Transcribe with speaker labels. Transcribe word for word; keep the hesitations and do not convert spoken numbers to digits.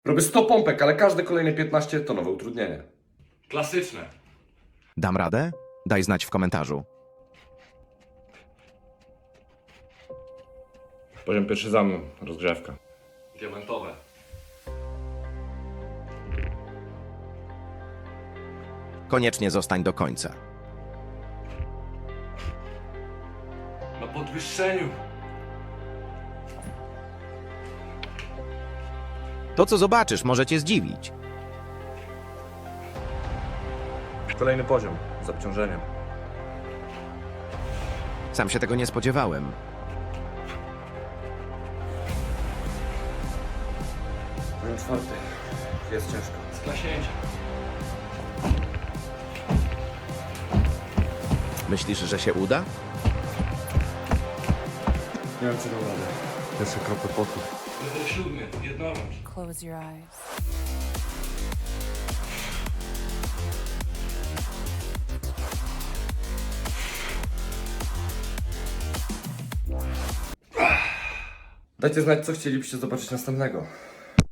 Speaker 1: Robię sto pompek, ale każde kolejne piętnaście to nowe utrudnienie.
Speaker 2: Klasyczne.
Speaker 3: Dam radę? Daj znać w komentarzu.
Speaker 4: Poziom pierwszy za mną, rozgrzewka.
Speaker 2: Diamentowe.
Speaker 3: Koniecznie zostań do końca.
Speaker 2: Na podwyższeniu.
Speaker 3: To, co zobaczysz, może cię zdziwić.
Speaker 4: Kolejny poziom, z obciążeniem.
Speaker 3: Sam się tego nie spodziewałem.
Speaker 1: Poziom czwarty. Jest ciężko.
Speaker 2: Sklaśnięcie.
Speaker 3: Myślisz, że się uda?
Speaker 1: Nie wiem, czy dam radę.
Speaker 4: Pierwsze kropy potu.
Speaker 2: Level siódmy. Jednorącz.
Speaker 5: Close your eyes.
Speaker 1: Dajcie znać, co chcielibyście zobaczyć następnego.